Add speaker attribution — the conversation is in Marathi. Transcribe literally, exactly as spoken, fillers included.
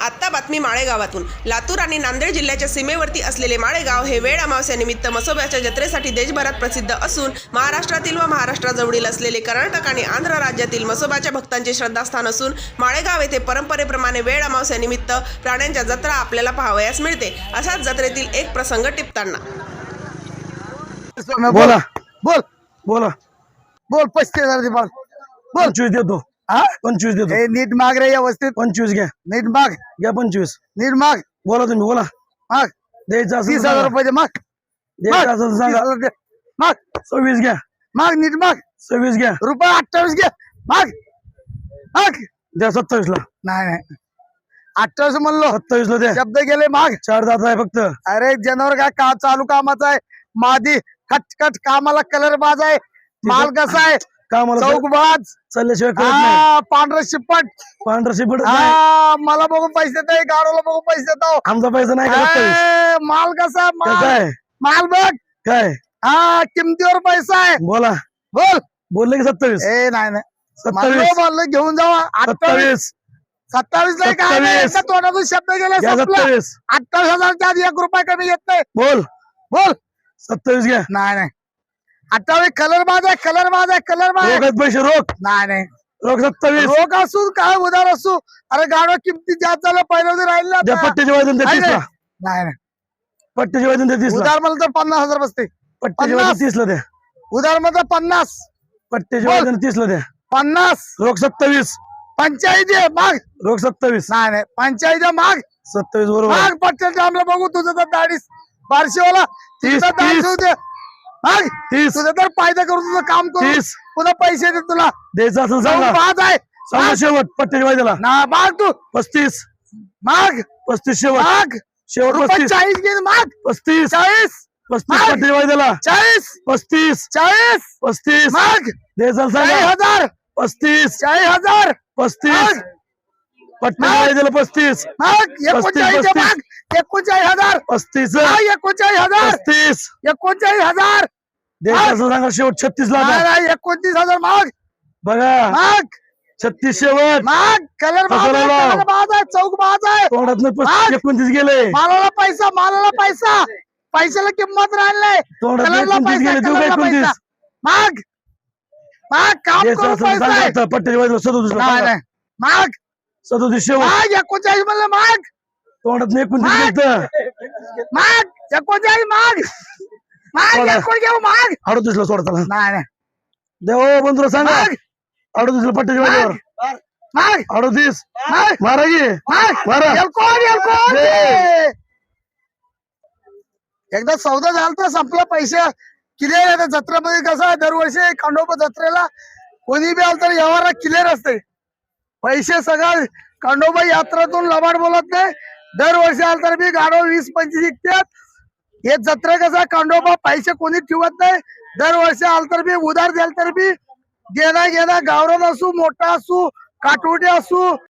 Speaker 1: आत्ता बातमी माळेगावातून। लातूर आणि नांदेड जिल्ह्याच्या सीमेवरती असलेले माळेगाव हे वेळ अमावस्यानिमित्त म्हसोबाच्या जत्रेसाठी देशभरात प्रसिद्ध असून महाराष्ट्रातील व महाराष्ट्राजवळील असलेले कर्नाटक आणि आंध्र राज्यातील म्हसोबाच्या भक्तांचे श्रद्धास्थान असून माळेगाव येथे परंपरेप्रमाणे वेळ अमावस्यानिमित्त प्राण्यांच्या जत्रा आपल्याला पाहावयास मिळते। असाच जत्रेतील एक प्रसंग टिपताना
Speaker 2: बोला
Speaker 3: बोल
Speaker 2: बोला
Speaker 3: बोल पस्तीस हजार दे बोल बोल
Speaker 2: पंचवीस देतो
Speaker 3: हा
Speaker 2: पंचवीस देतो
Speaker 3: हे नीट माग रे व्यवस्थित
Speaker 2: पंचवीस घ्या
Speaker 3: नीट माग
Speaker 2: घ्या पंचवीस
Speaker 3: नीट माग
Speaker 2: बोला तुम्ही बोला
Speaker 3: माग
Speaker 2: द्यायचं असेल
Speaker 3: तीस
Speaker 2: तर
Speaker 3: हजार
Speaker 2: सांगा.
Speaker 3: रुपये दे माग
Speaker 2: द्यायचं असेल तर
Speaker 3: तीस
Speaker 2: सांगा.
Speaker 3: हजार दे. माग
Speaker 2: सव्वीस घ्या
Speaker 3: माग नीट माग
Speaker 2: सव्वीस घ्या
Speaker 3: रुपये अठ्ठावीस घे माग माग
Speaker 2: द्या सत्तावीस ला
Speaker 3: नाही नाही अठ्ठावीस म्हणलो
Speaker 2: सत्तावीस ला द्या
Speaker 3: शब्द गेले माग
Speaker 2: चार दात आहे फक्त
Speaker 3: अरे जनावर काय का चालू कामाचा आहे मादी खटखट कामाला कलर बाज आहे माल कसा आहे
Speaker 2: कामाला
Speaker 3: चौकबाज
Speaker 2: चालल्याशिवाय कळत नाही
Speaker 3: हा पांढरा शिपट
Speaker 2: पांढरा शिपट नाही
Speaker 3: हा मला बघून पैसे देत गाडोला बघून पैसे देतो
Speaker 2: आमचा पैसा नाही का सत्तावीस
Speaker 3: ए, माल कसा
Speaker 2: कसं
Speaker 3: माल
Speaker 2: आहे
Speaker 3: माल बघ
Speaker 2: काय
Speaker 3: हा किमतीवर पैसा आहे
Speaker 2: बोला
Speaker 3: बोल
Speaker 2: बोलले की सत्तावीस
Speaker 3: ए नाही नाही
Speaker 2: सत्तावीस
Speaker 3: म्हणलो म्हणलं घेऊन जावा अठ्ठावीस
Speaker 2: सत्तावीस
Speaker 3: सत्तावीस ला काय नाही,
Speaker 2: सत्तावीस.
Speaker 3: एका तोंडातून शब्द गेला
Speaker 2: घ्या
Speaker 3: संपला.
Speaker 2: सत्तावीस
Speaker 3: अठ्ठावीस हजारच्या आधी एक रुपया कमी येत नाही
Speaker 2: बोल
Speaker 3: बोल
Speaker 2: सत्तावीस घ्या
Speaker 3: नाही नाही अठ्ठावीस कलर बाज आहे कलर बाज आहे कलर बाज आहे
Speaker 2: रोखात पैसे रोख
Speaker 3: नाही नाही
Speaker 2: रोख सत्तावीस
Speaker 3: रोख असू काय उधार असू अरे गाडवा किमती जास्त झालं पहिल्या राहिले
Speaker 2: द्या पट्ट्याचे वाजून द्या
Speaker 3: नाही,
Speaker 2: तीस ला
Speaker 3: नाही नाही
Speaker 2: पट्ट्याचे वाजून द्या तीस ला
Speaker 3: उधार म्हणलं तर पन्नास हजार बसते
Speaker 2: पट्ट्याचे
Speaker 3: पन्नास.
Speaker 2: वाजून तीस ला द्या
Speaker 3: उधार म्हणलं पन्नास
Speaker 2: पट्ट्याचे
Speaker 3: बोल.
Speaker 2: वाजून तीस ला द्या
Speaker 3: पन्नास
Speaker 2: रोख सत्तावीस
Speaker 3: पंचायती आहे, माग
Speaker 2: रोख सत्तावीस
Speaker 3: नाही नाही पंचायती आहे, माग
Speaker 2: सत्तावीस बरोबर
Speaker 3: माग पटेल टाइमला बघू तुझं तर दाढीस बारशीवाला
Speaker 2: तीस,
Speaker 3: तुझं दाढी
Speaker 2: तीस.
Speaker 3: होऊ दे. माग
Speaker 2: तीस
Speaker 3: तुझं तर फायदा करून तुझं काम करू
Speaker 2: तीस
Speaker 3: पुन्हा पैसे दे तुला
Speaker 2: द्यायचं असेल सांगा
Speaker 3: पाच आहे
Speaker 2: सांगा
Speaker 3: माग.
Speaker 2: शेवट पट्ट्याच्या वाजला
Speaker 3: ना माग तू
Speaker 2: पस्तीस
Speaker 3: माग
Speaker 2: पस्तीस शेवट
Speaker 3: माग
Speaker 2: शेवट
Speaker 3: रुपये
Speaker 2: पस्तीस
Speaker 3: चाळीस घे माग
Speaker 2: पस्तीस
Speaker 3: चाळीस
Speaker 2: पस्तीस
Speaker 3: माग.
Speaker 2: पट्ट्याच्या वाजला
Speaker 3: चाळीस
Speaker 2: पस्तीस
Speaker 3: चाळीस
Speaker 2: पस्तीस
Speaker 3: माग
Speaker 2: द्यायचं
Speaker 3: चाळीस
Speaker 2: सांगा
Speaker 3: हजार
Speaker 2: पस्तीस
Speaker 3: चाळीस हजार
Speaker 2: पस्तीस
Speaker 3: माग.
Speaker 2: पट्ट्याच्या वाजला पस्तीस
Speaker 3: माग एकोणचाळीस
Speaker 2: पस्तीस.
Speaker 3: माग एकोणचाळीस हजार
Speaker 2: पस्तीस
Speaker 3: माग एकोणचाळीस हजार
Speaker 2: पस्तीस
Speaker 3: एकोणचाळीस हजार
Speaker 2: द्यायचं असेल सांगा शेवट छत्तीस ला
Speaker 3: नाही,
Speaker 2: आता.
Speaker 3: नाही, एकोणतीस हजार माग
Speaker 2: बघा
Speaker 3: माग
Speaker 2: छत्तीस शेवट
Speaker 3: माग कलर बाज
Speaker 2: कसं
Speaker 3: आहे
Speaker 2: लावलं?
Speaker 3: कलर बाज आहे चौक बाज आहे
Speaker 2: तोंडात
Speaker 3: माग.
Speaker 2: एकोणतीस गेले
Speaker 3: मालाला पैसा मालाला पैसा पैशाला किंमत राहिलाय
Speaker 2: तोंडात
Speaker 3: कलरला
Speaker 2: एकोणतीस
Speaker 3: पैसा
Speaker 2: गेले देऊ का
Speaker 3: कलरला पैसा
Speaker 2: एकोणतीस
Speaker 3: माग माग काम
Speaker 2: द्यायचं
Speaker 3: करून
Speaker 2: असेल
Speaker 3: पैसा
Speaker 2: सांगा
Speaker 3: आहे
Speaker 2: आता पट्ट्याच्या वाजला सदोतीस ला
Speaker 3: नाही
Speaker 2: सांगा.
Speaker 3: नाही माग
Speaker 2: सदोतीस शेवट
Speaker 3: माग एकोणचाळीस म्हणलं माग
Speaker 2: तोंडात एकोणतीस
Speaker 3: माग.
Speaker 2: गेलं
Speaker 3: माग एकोणचाळीस माग माग
Speaker 2: सोडा.
Speaker 3: एकोणचाळीस माग
Speaker 2: अडतीस ला सोडा त्याला
Speaker 3: नाही नाही
Speaker 2: देव बंधुरा सांगा
Speaker 3: माग.
Speaker 2: अडतीस ला पट्ट्याच्या वाजल्यावर
Speaker 3: माग
Speaker 2: अडतीस
Speaker 3: माग
Speaker 2: मारा गे
Speaker 3: माग
Speaker 2: मारा.
Speaker 3: एलकोन एलकोन
Speaker 2: दे.
Speaker 3: एकदा सौदा झाला तर संपला पैसे क्लिअर आहे जत्रेमध्ये कसं आहे दरवर्षी खंडोबा जत्रेला कोणी बी आलं तर व्यवहार क्लिअर असते पैसे सगळं खंडोबा यात्रातून लबाड बोलत नाही दरवर्षी आलं तर बी गाडो वीस पंचवीस विकतात हे जत्रा कसं खंडोबा पैसे कोणी ठेवत नाही दरवर्षी आलं तर बी उधार द्याल तर बी देणा घेणा गावरान असू मोठा असू काटवटी असू